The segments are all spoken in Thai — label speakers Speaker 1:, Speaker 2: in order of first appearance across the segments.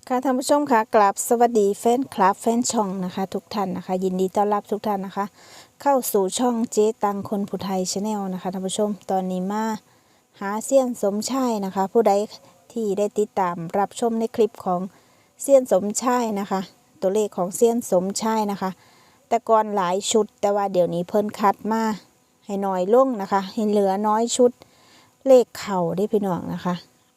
Speaker 1: ค่ะท่านผู้ชมค่ะกราบสวัสดีแฟนคลับแฟนช่องนะคะทุกท่านนะคะยินดีต้อนรับทุกท่านนะคะเข้าสู่ช่องเจ๊ตังคนผู้ไทยชาแนลนะคะท่านผู้ชมตอนนี้มาหาเซียนสมชายนะคะผู้ใดที่ได้ติดตามรับชมในคลิปของเซียนสมชายนะคะตัวเลขของเซียนสมชายนะคะแต่ก่อนหลายชุดแต่ว่าเดี๋ยวนี้เพิ่นคัดมาให้น้อยลงนะคะให้เหลือน้อยชุดเลขเข่าได้พี่น้องนะคะ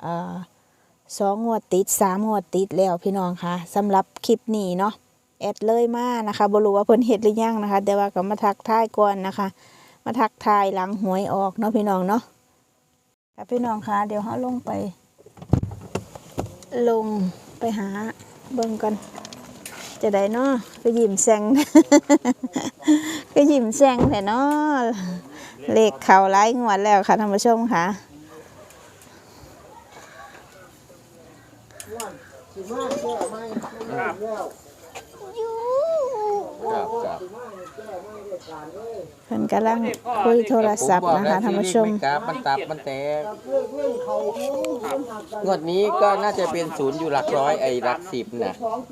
Speaker 1: 2 งวดติด3 งวดติดแล้วพี่น้องค่ะสำหรับคลิปนี้เนาะแอดเลยมานะคะบ่รู้ว่าเพิ่นเฮ็ดหรือยังนะคะแต่ว่าก็มาทักทายก่อนนะคะมาทักทายหลังหวยออกเนาะพี่น้องเนาะค่ะพี่น้องค่ะเดี๋ยวเฮาลงไปหาเบิ่งกันจะได้เนาะก็ยิ้มแซง ก็ยิ้มแซงแท้เนาะเลขเข้าหลายงวดแล้วค่ะท่านผู้ชมค่ะเพิ่นกำลังคุยโทรศัพท์นะคะท่านผู้ชม
Speaker 2: มันตับมันแตกงวดนี้ก็น่าจะเป็นศูนย์อยู่หลักร้อยไอ้หลักสิบนะ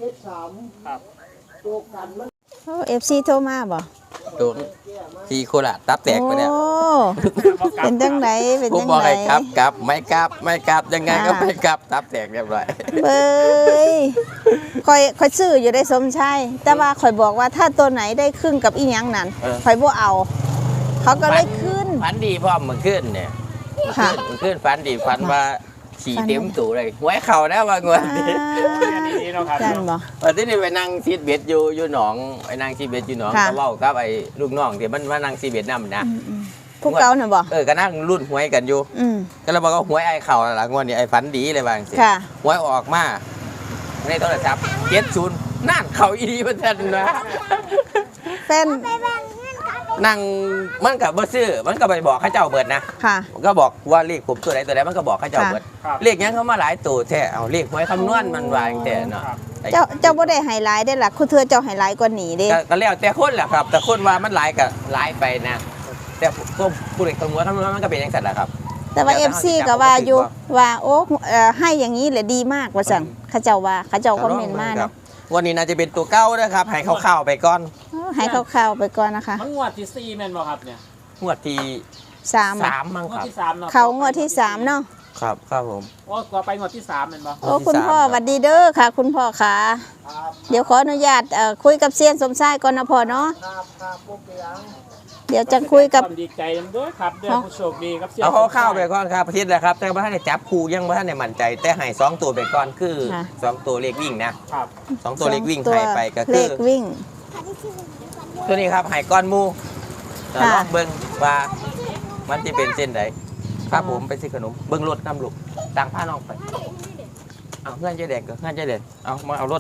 Speaker 1: โอ้ FC โทรมาบ่
Speaker 2: โดนทีโคราชตับแตกไปเนี่ย
Speaker 1: เป็นจังไดเป็นจังได
Speaker 2: ผมบอกให้กลับไม่กลับยังไงก็ไม่กลับตับแตกเรียบร้อย
Speaker 1: เบ้ยค่อยซื้ออยู่ได้สมชายแต่ว่าค่อยบอกว่าถ้าตัวไหนได้ครึ่งกับอีหยังนั่นค่อยบ่เอาเขาก็เลยขึ้น
Speaker 2: ฝันดีพ่อมันขึ้นเนี่ยมันขึ้นฝันดีฝันว่าขี่เต็มตู่เลยหวยเข่านะว่างวดนี้
Speaker 1: จันบ่
Speaker 2: วันที่นี่ไปนั่งซีดเบ็ดอยู่หนองไปนั่งซีดเบ็ดอยู่หนองก็เว้ากับไอ้ลูกน้องที่มันมานั่งซีดเบ็ดนำนะ
Speaker 1: ผู้เก่าน่ะบ่
Speaker 2: ก็นั่งรุ่นหวยกันอยู่ก็เราบอกว่าหวยไอ้เข่าหลังงวดนี้ไอ้ฝันดีเลยบางสิหวยออกมาในโทรศัพท์70นั่นเข่าอีดีเพิ่นนะ
Speaker 1: แฟน
Speaker 2: นั่งมันกับบ่ซื้อมันก็ไปบอกข้าเจ้าเบิดนะก็บอกว่าเลขผมตัวไหนมันก็บอกข้าเจ้าเบิดเลขยังเขามาหลายตัวแท้เอาเลขหวยคำนวณมันวางแต่เนาะ
Speaker 1: เจ้าบ่ได้ไฮไลท์ได้ล่ะคือเธอเจ้าไฮไลท์กว่านี้เด้
Speaker 2: ก็แล้วแต่คนแหละครับแต่คนว่ามันหลายก็หลายไปนะแต่ก็ผู้เด็กคำนวณมันก็เป็นอย่างนั้นแหละครับ
Speaker 1: แต่ว่า FC ก็ว่าอยู่ว่าโอ้ให้อย่างนี้แหละดีมากว่าซั่นข้าเจ้าว่าข้าเจ้าคอมเมนต์มาเนาะ
Speaker 2: วันนี้น่าจะเป็นตัวเก้านะครับให้เข้าๆไปก่อน
Speaker 1: ให้เข้าๆไปก่อนนะคะ
Speaker 3: งวดที่4แม่นบ่ครับเนี่ย
Speaker 2: งวดที่3มั้งครับ
Speaker 1: เขางวดที่3เนาะ
Speaker 2: ครับผม
Speaker 3: โอ้ก็ไปงวดที่3แม่นบ่
Speaker 1: โอ้คุณพ่อสวัสดีเด้อค่ะคุณพ่อค่ะเดี๋ยวขออนุญาตคุยกับเซียนสมชายก่อนนะพ่อเนาะเดี๋ยวจะคุยกับ
Speaker 3: ดีใจด้วยครับเด้อผู้โชคดีครับ
Speaker 2: เอาเข้าไปก่อนครับประเทศแหละครับแต่ว่าท่านได้จับคู่ยังว่าท่านได้มั่นใจแต่ให้2ตัวไปก่อนคือ2ตัวเลขวิ่งนะครับ2ตัวเลขวิ่งให้ไปก็คือ
Speaker 1: เลขวิ่ง
Speaker 2: ตัวนี้ครับให้ก้อนมูลองเบิ้งว่ามันจะเป็นเส้นไหนครับผมไปซื้อขนมเบิ้งรถน้ำลูกต่างผ้าน้องไปเอาเงื่อนใจแดงก็เงื่อนใจแดงเอามาเอารถ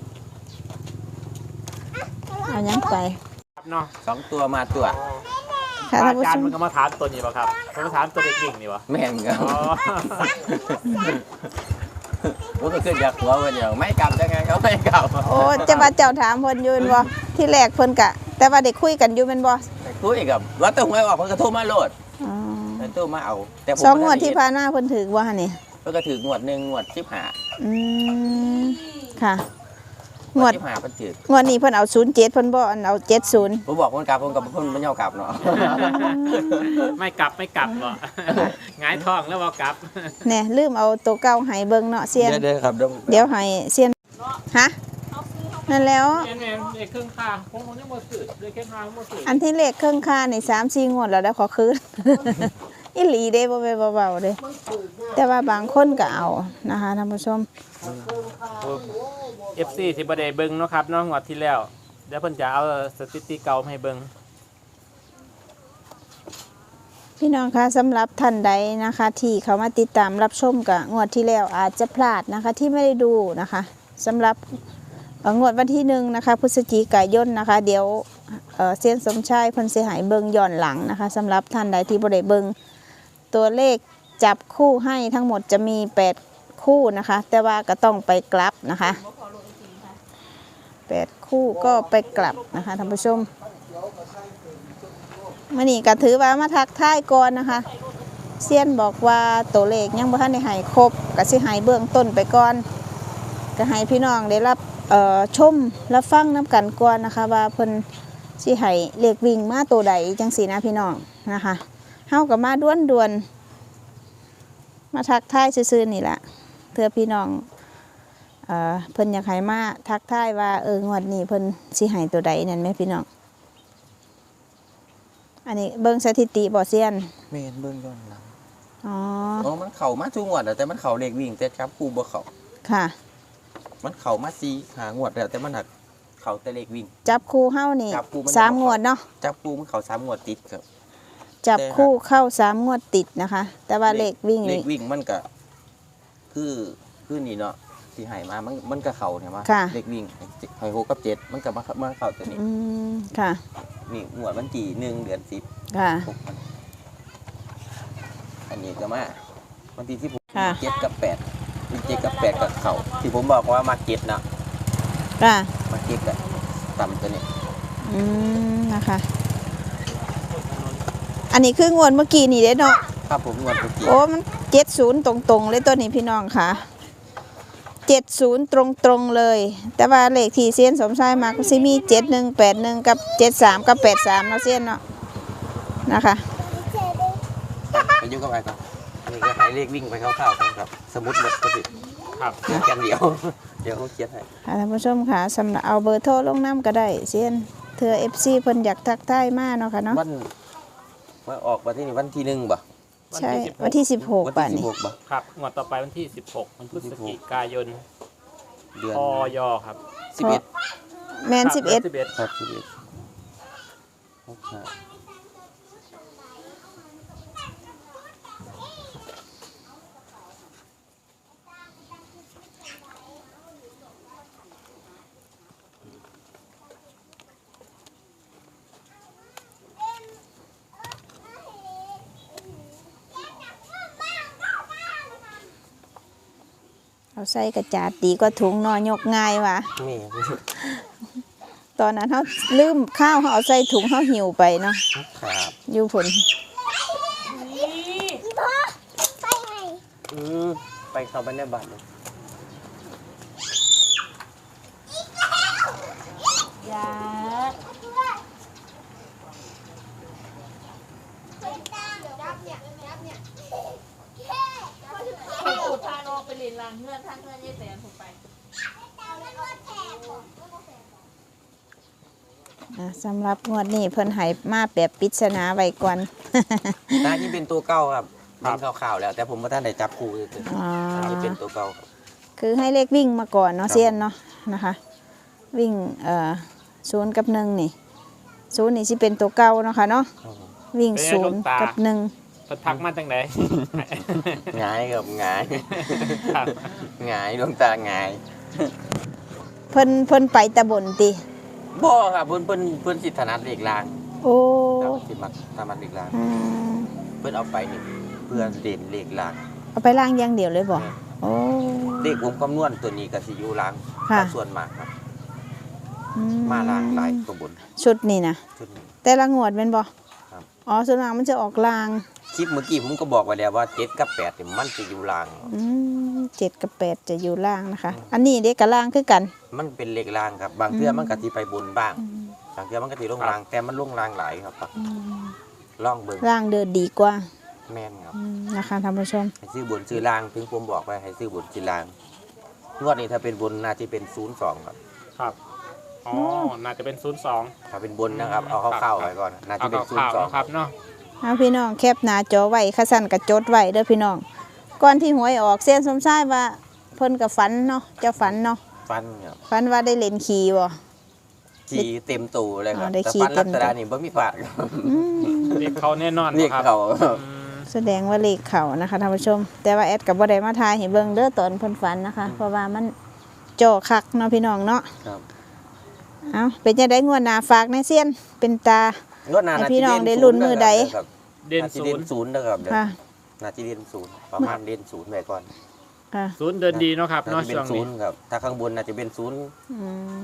Speaker 1: เอายังไป
Speaker 3: เนาะ
Speaker 2: 2ตัวมาตัว
Speaker 3: อาจารย์มันก็มาถามตัวนี้ป่ะครับมันมาถามตัวเด็กวิ่งนี่ป่ะ
Speaker 2: แม่นครับมันก็ขึ้นจากหัวเดียวไม่กลับได้ไงเขาไม่กลับ
Speaker 1: โอ้จะมาเจ้าถามเพิ่นยืนบ่ที่แรกเพิ่นกะแต่ว่าได้คุยกันอยู่แม่นบ่
Speaker 2: คุยกับว่าต้องหวยออกเพิ่นก็โทรมาโลดโทรมาเอา
Speaker 1: แต่ผม2 งวดที่ผ่านมาเพิ่นถือบ่หั่นนี่
Speaker 2: เพิ่นก็ถืองวด1งวด
Speaker 1: 15ค่ะ
Speaker 2: งวด15เพิ่นถือง
Speaker 1: วดนี้เพิ่นเอา07เพิ่นบ่เอา70
Speaker 2: ผมบอกเพิ่นกลับเพิ่นบ่ยอมกลับเนาะ
Speaker 3: ไม่กลับบ่หงายท้องแล้วบ่กลับ
Speaker 1: แน่ลืมเอาตัวเก่าให้เบิ่งเนาะเซียน
Speaker 2: เด้อครับ
Speaker 1: เดี๋ยวให้เซียนฮะนั่นแล้ว
Speaker 3: เลขเครื่องค่าผมยังบ่ซื้อเลขเครื่องค่าบ่ซื้อ
Speaker 1: อันที่เลขเครื่องค่านี่3-4 งวดแล้วได้ขอคืนอีหลีเด้บ่แม่นเบาๆเด้แต่ว่าบางคนก็เอานะคะท่านผู้ชม
Speaker 3: FC ที่บ่ได้เบิ่งเนาะครับเนาะงวดที่แล้วเดี๋ยวเพิ่นจะเอาสถิติเก่าให้เบิ่ง
Speaker 1: พี่น้องคะสำหรับท่านใดนะคะที่เขามาติดตามรับชมกับงวดที่แล้วอาจจะพลาดนะคะที่ไม่ได้ดูนะคะสำหรับงวดวันที่1นะคะพฤศจิกายนนะคะเดี๋ยวเซียนสมชายเพิ่นสิให้เบิ่งย้อนหลังนะคะสำหรับท่านใดที่บ่ได้เบิ่งตัวเลขจับคู่ให้ทั้งหมดจะมี8คู่นะคะแต่ว่าก็ต้องไปกลับนะคะ8คู่ก็ไปกลับนะคะท่านผู้ชมมื้อนี้ก็ถือว่ามาทักทายก่อนนะคะเซียนบอกว่าตัวเลขยังบ่ทันได้ให้ครบก็สิให้เบื้องต้นไปก่อนก็ให้พี่น้องได้รับชมรับฟังน้ำกันก่อนนะคะว่าเพิ่นสิให้เลขวิ่งมาตัวใดจังสีนะพี่น้องนะคะเฮากับมาด้วนมาทักทายซื่อๆนี่แหละเพื่อพี่น้องเพิ่นอยากให้มาทักทายว่างวดนี้เพิ่นสิให้ตัวใดนั่นแม่พี่น้องอันนี้เบิ่งสถิติบ่เซียน
Speaker 2: แม่นเบิ่งย้อนหลัง
Speaker 1: อ๋อ
Speaker 2: อ๋อมันเข้ามาทุกงวดแล้วแต่มันเข้าเลขวิ่งแต่จับคู่บ่เข้า
Speaker 1: ค่ะ
Speaker 2: มันเข้ามา4 5งวดแล้วแต่มันหักเข้าแต่เลขวิ่ง
Speaker 1: จับคู่เฮานี่
Speaker 2: จับคู่มัน
Speaker 1: 3 งวดเนาะ
Speaker 2: จับคู่มันเข้า3งวดติดครับ
Speaker 1: จับคู่เข้า3 งวดติดนะคะ แต่ว่าเลขวิ่ง
Speaker 2: เล
Speaker 1: นี่
Speaker 2: ขวิ่งมันก็คือนี่เนาะที่ให้มามันก็เข้าเนี่ยมา
Speaker 1: ค่ะ
Speaker 2: เลขวิ่งให้6กับ7มันก็มาเข้าตัวนี้
Speaker 1: อืมค่ะ
Speaker 2: นี่งวดวันที่1เดือน10
Speaker 1: ค่ะ
Speaker 2: อันนี้ก็มาวันที่16
Speaker 1: ค่ะ
Speaker 2: 7กับ8มี7กับ8กับเข้าที่ผมบอกว่ามาเก็ตเนาะ
Speaker 1: ค่ะ
Speaker 2: มาเก็ตก็ต่ำตัวนี้
Speaker 1: อืมนะคะ อันนี้คืองวดเมื่อกี้นี่เด้เนาะ
Speaker 2: ครับผมงวดเมื่อกี้
Speaker 1: โอ้มัน70ตรงๆเลยตัวนี้พี่น้องค่ะ70ตรงๆเลย แต่ว่าเลขที่เซียนสมชายมาก็สิมี7181กับ73กับ83เนาะเซียนเนาะนะคะ
Speaker 2: ไปยุ่งกับอะไรก่อนนี่ก็ให้เลขวิ่งไปคร่าวๆครับสมุดหมดก็สิ
Speaker 3: ครับ
Speaker 2: เขียนกันเดียว เดี๋ยวเขาเขียนให้
Speaker 1: ค่ะท่านผู้ชมค่ะสำหรับเอาเบอร์โทรลงน้ำก็ได้เซียนเธอ FC เพิ่นอยากทักทายมาเนาะค่ะเนาะ
Speaker 2: วันว่าออกวันที่นี่วันที่1บ่
Speaker 1: ใช่วันที่16
Speaker 2: วัน
Speaker 1: ป่ะ
Speaker 2: ที่
Speaker 1: นี่
Speaker 2: 16บ่
Speaker 3: ครับงวดต่อไปวันที่ 16วันพฤศจิกายน
Speaker 2: เดือน
Speaker 3: พยครับ
Speaker 2: 11
Speaker 1: แมน
Speaker 3: ครับดือ
Speaker 1: 11
Speaker 2: ครับ11 65
Speaker 1: เอาใส่กระจาดดีกว่าถุงนอยกง่ายว่ะ
Speaker 2: นี่
Speaker 1: ตอนนั้นเขาลืมข้าวเขาเอาใส่ถุงเขาหิวไปเนาะ
Speaker 2: ครับ
Speaker 1: อยู่ผล
Speaker 2: ไปเข้าไปในบ้านเลย
Speaker 1: ยา
Speaker 4: ปูดพานออกไปเรียนรางเงื่อนทางเงื่อนยี่แสนถูกไป
Speaker 1: สำหรับงวดนี้เพิ่นให้มาแบบปริศนาไว้ก่อน
Speaker 2: น่าจะเป็นตัวเก่าครับเป็นข่าวๆแล้ว แต่ผมว่าท่านได้จับคู่คือ
Speaker 1: อ๋อ
Speaker 2: น่าจะเป็นตัวเก่าครับ
Speaker 1: คือให้เลขวิ่งมาก่อนเนาะ
Speaker 2: ครับ
Speaker 1: เซียนเนาะนะคะ วิ่ง0 กับ 1นี่0นี่สิเป็นตัวเก่าเนาะค่ะเนาะ
Speaker 2: ครับผม
Speaker 1: วิ่ง
Speaker 3: เป็นไงลูกตา
Speaker 1: 0 กับ 1
Speaker 3: เพิ่นทักมาจังได
Speaker 2: หงายครับหงาย
Speaker 3: ครับ
Speaker 2: หงายดวงตาหงาย
Speaker 1: เพิ่นไปตะบนติ
Speaker 2: บ่ครับเพิ่นสิถนัดเลขลาง
Speaker 1: โอ้
Speaker 2: ครับสิมักถนัดเลขลาง
Speaker 1: อ่า
Speaker 2: เพิ่นเอาไปนี่เพื่อเด่นเลขลาง
Speaker 1: เอาไปล้างอย่างเดียวเลยบ่โอ้
Speaker 2: เลขวงคำนวณตัวนี้ก็สิอยู่ลาง
Speaker 1: ค่ะ
Speaker 2: ส่วนมากครับ
Speaker 1: อื
Speaker 2: มาลางหลายตัวบน
Speaker 1: ชุดนี่นะ
Speaker 2: ชุดนี้
Speaker 1: แต่ละงวดเป็นบ่
Speaker 2: ครับ
Speaker 1: อ๋อส่วนมากมันจะออกลาง
Speaker 2: คลิปเมื่อกี้ผมก็บอกไว้แล้วว่า7กับ8นี่มันจะอยู่ลาง
Speaker 1: 7 กับ 8 จะอยู่ล่างนะคะ อันนี้เด็กกับล่างคือกัน
Speaker 2: มันเป็นเลขลางครับ บางเทื่อมันก็สิไปบนบ้างบางเทื่อมันก็สิลงลาง แต่มันลงลางหลายครับลองเบิ่ง
Speaker 1: ล่างเดินดีกว่า
Speaker 2: แม่นครับ
Speaker 1: นะคะท่านผู้ชม
Speaker 2: ให้ซื้อบนซื้อล่างถึงผมบอกไว้ให้ซื้อบนซื้อล่างงวดนี้ถ้าเป็นบนน่าจะเป็น02ครับ
Speaker 3: ครับอ๋อน่าจะเป็น02
Speaker 2: ถ้าเป็นบนนะครับเอาเข้าๆไว้ก่อนน่าจะ
Speaker 3: เอา
Speaker 2: เป็น
Speaker 3: ข่าวๆนะครับเนาะ
Speaker 1: เอาพี่น้องแคปหน้าจอไว้ขสั่นกับจดไว้เด้อพี่น้อง ก่อนที่หวยออกเส้นสมชายว่าเพิ่นกับฝันเนาะเจะฝันเนาะ
Speaker 2: ฟันครับ
Speaker 1: ฝันว่าได้เล่นขี่บ่
Speaker 2: ขี่เต็มตูเลยครับ
Speaker 1: อ๋อได้
Speaker 2: แต่
Speaker 1: ขี่
Speaker 2: ฟัน
Speaker 1: เต็
Speaker 2: ลั
Speaker 1: ม
Speaker 2: ก
Speaker 1: ตู
Speaker 2: ษณะนี้บ่มีพลาดครับ
Speaker 3: เรียกเขาแน่นอน
Speaker 2: เรียก
Speaker 3: ครับ
Speaker 2: เขา
Speaker 3: อืม
Speaker 1: แสดงว่าเลขเขานะคะท่านผู้ชม แต่ว่าแอดกับบ่ได้มาทายให้เบิ่งเด้อตอนเพิ่นฝันนะคะ เพราะว่ามันจ่อคักเนาะพี่น้องเนาะ
Speaker 2: ครับ
Speaker 1: เอาเป็นจังได๋งวดหน้าฝากในเซียนเป็นตา
Speaker 2: งวดหน้า
Speaker 1: ให้
Speaker 2: น่า
Speaker 1: พี่
Speaker 2: จะ
Speaker 1: น้อง
Speaker 2: เด่น
Speaker 1: ได้ลุ้นมือใด
Speaker 2: ครับ
Speaker 3: เด่น
Speaker 2: น่าจะ
Speaker 3: ศู
Speaker 2: เด่
Speaker 3: น
Speaker 2: น
Speaker 3: ย์
Speaker 2: ศูนย์นะครับเดี๋ยว
Speaker 1: ค่ะ
Speaker 2: น่าจะเด่นศูนย์ประมาณเด่นศูนย์ไว้ก่อน
Speaker 1: ค่ะ
Speaker 3: ศูนย์เดินดีเนาะครับ
Speaker 2: น่า
Speaker 3: เนาะ
Speaker 2: จะเป็
Speaker 3: ช่วน ง
Speaker 2: ศู
Speaker 3: นี้
Speaker 2: นย์ครับถ้าข้างบนน่าจะเป็นศูนย์
Speaker 1: อืม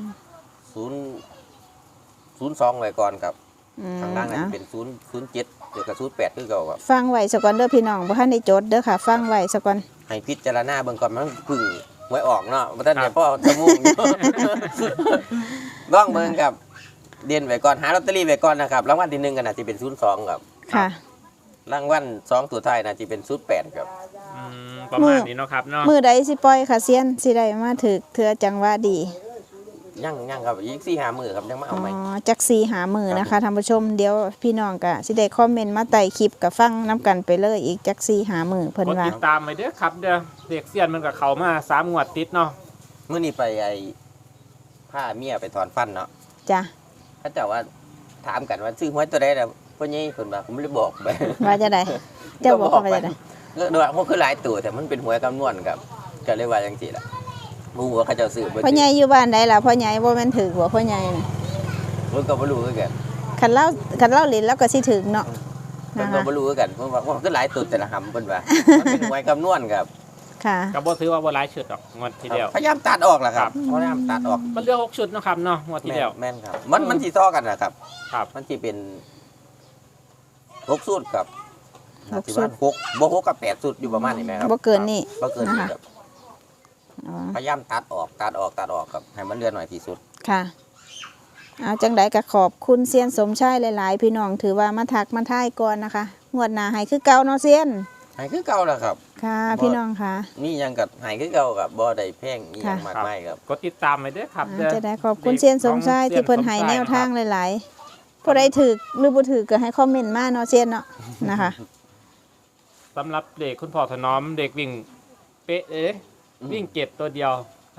Speaker 2: 02ไว้ก่อนครับ
Speaker 1: อืม
Speaker 2: ข้างล่างน่า
Speaker 1: เอา
Speaker 2: จะเป็น07เดี๋ยวกับ08คือเก่าครับ
Speaker 1: ฟังไว้ซะก่อนเด้อพี่น้องบ่ทันได้จดเด้อค่ะ ฟังไว้ซะก่อน
Speaker 2: ให้พิจารณาเบิ่งก่อนมันเพึ่งหวยออกเนาะบ่ทันได้พ่อจะมุ่งอยู่ ลองเบิ่งครับเด่นไว้ก่อนหาลอตเตอรี่ไว้ก่อนนะครับรางวัลที่1ก็น่าจะเป็น02ครับ
Speaker 1: ค่ะ
Speaker 2: รางวัล2ตัวท้ายน่าจะเป็น08ครับ
Speaker 3: ประมาณนี้เนาะครับเนาะ
Speaker 1: มือใดสิปล่อยค่ะเซียนสิได้มาถึกเทือจังหวะดี
Speaker 2: ยังครับอีก4-5มื้อครับยังมาเอาใหม่
Speaker 1: จักสีหามือนะคะท่านผู้ชมเดี๋ยวพี่น้องก็สิได้คอมเมนต์มาไต่คลิปกับฟังน้ำกันไปเลยอีกจักสีหามือเพิ่น
Speaker 3: กด
Speaker 1: ว่า
Speaker 3: ติดตามไปเด้อครับเด้อเด็กเซียนมันกับเขามา3 งวดติดเนาะ
Speaker 2: มื้อนี้ไปพาเมียไปถอนฟันเนาะ
Speaker 1: จ้ะ
Speaker 2: เขาเจ้าว่าถามกันว่าซื้อหวยตัวใดล่ะพ่อใหญ่เพิ่นว่าผมเลยบอกไป
Speaker 1: ว่าจะได้เจ้าบอกว่าจะได้
Speaker 2: ก็ว่ามันคือหลายตัวแต่มันเป็นหวยคำนวณครับก็เลยว่าจังซี่ล่ะบ่ฮู้ว่าเขาเจ้าซื้อบ่
Speaker 1: พ่อใหญ่อยู่บ้านใดล่ะพ่อใหญ่บ่แม่นถึกบ่พ่อใหญ่น่ะ
Speaker 2: ผมก็บ่รู้คือกัน
Speaker 1: คันเล่าเล่นแล้วก็สิถึกเนาะ
Speaker 2: เพิ่น
Speaker 1: นะ
Speaker 2: ก็
Speaker 1: คะ
Speaker 2: บ่รู้คือกันเพิ่นว่ามันคือหลายตัวแต่ละหำเพิ่นว่ามันเป็นหวยคำนวณครับ
Speaker 1: ค่ะ
Speaker 3: ก็บ่ถือว่าบ่หลายชุดหรอกงวดที่แล้ว
Speaker 2: พยายามตัดออกล่ะครับพยายามตัดออก
Speaker 3: มันเหลือ6 ชุดเนาะครับเนาะงวดที่แล้ว
Speaker 2: แม่นครับมันสิซ้อกันนะครับ
Speaker 3: ครับ
Speaker 2: มันสิเป็น6สูตรครับ
Speaker 1: หกสูตร
Speaker 2: 6บ่6กับ8สูตรอยู่ประมาณนี้แม่ครับ
Speaker 1: บ่เกินนี่
Speaker 2: บ่เกินนี่
Speaker 1: นะคะ
Speaker 2: ครับ
Speaker 1: อ๋อ
Speaker 2: พยายามตัดออกครับให้มันเหลือหน่อยที่สุด
Speaker 1: ค่ะเอาจังไดก็ขอบคุณเซียนสมชายหลายๆ พี่น้องถือว่ามาทักมาทายก่อนนะคะงวดหน้าให้คือเก่าเนาะเซียน
Speaker 2: ให้คือเก่าล่ะครับ
Speaker 1: ค่ะ พี่น้องค่ะ
Speaker 2: นี่ยังกับให้คือเก่าครับบ่ได้แพงอีหยังมากมายครับ
Speaker 3: กดติดตามไปเด้อครับเด้อ
Speaker 1: จะได้ขอบคุณเซียนสมชายที่เพิ่นให้แนวทางหลายๆผู้ใดถือหรือบ่ถือก็ให้คอมเมนต์มาเนาะเซียนเนาะนะคะ
Speaker 3: สำหรับเด็กคุณพ่อถนอมเด็กวิ่งเป๊ะวิ่งเก็บตัวเดียว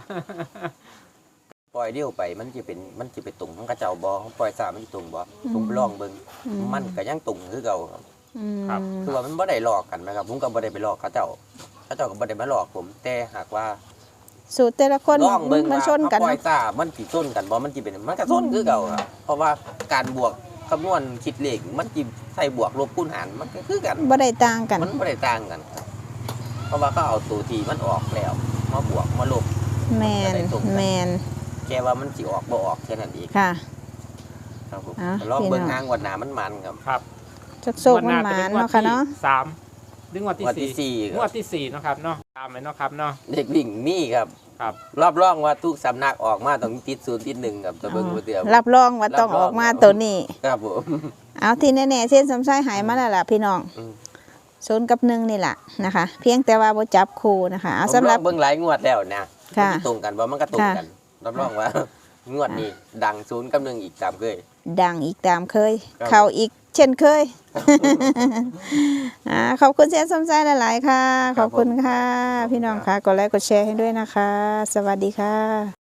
Speaker 2: ปล่อยเดี่ยวไปมันจะไปตุ่งของกระเจ้าบ่ปล่อยสามันสิตุ่งบ่ผมลองเบิ่งมันก็ยังตุ่งคือเก่าครับ
Speaker 1: อืม
Speaker 3: ครับ
Speaker 2: คือว่ามันบ่ได้หลอกกันนะครับผมก็บ่ได้ไปหลอกเขาเจ้าก็บ่ได้มาหลอกผม แต่หากว่า
Speaker 1: สูตรแต่ละคน
Speaker 2: ลองเบิ่ง
Speaker 1: มัน
Speaker 2: ว่า
Speaker 1: ชนกัน
Speaker 2: ปล่อย
Speaker 1: เนาะ
Speaker 2: สามันสิชนกันบ่มันสิเป็นมันก็ชนคือเก่าครับเพราะว่าการบวกคำนวณคิดเลขมันสิใส่บวกลบคูณหารมันก็คือกัน
Speaker 1: บ่ได้ต่างกัน
Speaker 2: มันบ่ได้ต่างกันครับเพราะว่าเขาเอาตัวที่มันออกแล้วมาบวกมาลบ
Speaker 1: แมนแมน
Speaker 2: แค่ว่ามันสิออกบ่ออกแค่นั้นเอง
Speaker 1: ค่ะ
Speaker 2: ครับผม
Speaker 1: อ่ะ
Speaker 2: ลองเบิ่ง
Speaker 1: พี่น้อง
Speaker 2: ทางงวดหน้ามันครับ
Speaker 3: ครับ
Speaker 1: โชคๆมันหมานๆเนาะค่ะเนาะ
Speaker 3: 3ถึงงวด
Speaker 2: งวดที่
Speaker 3: ที่
Speaker 2: สี่
Speaker 3: 4งวดที่4เนาะครับเนาะตามไปเนาะครับเนาะ
Speaker 2: เด็กวิ่งมีครับ
Speaker 3: ครับ
Speaker 2: รอบรองว่าทุกสำนักออกมาต้องติด0ติด1ครับจะเบิ่งบ่เดียว
Speaker 1: รับรองว่าต้องออกมาตัวนี้
Speaker 2: ครับผม
Speaker 1: เอาที่แน่ๆเส้นสมชายหายมาแล้วล่ะพี่น้อง
Speaker 2: อืม
Speaker 1: 0 กับ 1นี่แหละนะคะ เพียงแต่ว่าบ่จับคู่นะคะเอา
Speaker 2: ผม
Speaker 1: สำห
Speaker 2: ล
Speaker 1: รั
Speaker 2: อบ งเบิ่งหลายงวดแล้วนะ
Speaker 1: ค่ะ
Speaker 2: มันสิตรงกันบ่มันก็ตรงกันรับรองว่า งวดนี้ดัง0กับ1อีกตามเคย
Speaker 1: ดังอีกตามเคย
Speaker 2: ครับ
Speaker 1: เข้าอีกเช่นเคย ขอบคุณเส้นสมชายหลายๆค่ะ ขอบคุณค่ะ พี่น้องค่ะกดไลค์กดแชร์ให้ด้วยนะคะ สวัสดีค่ะ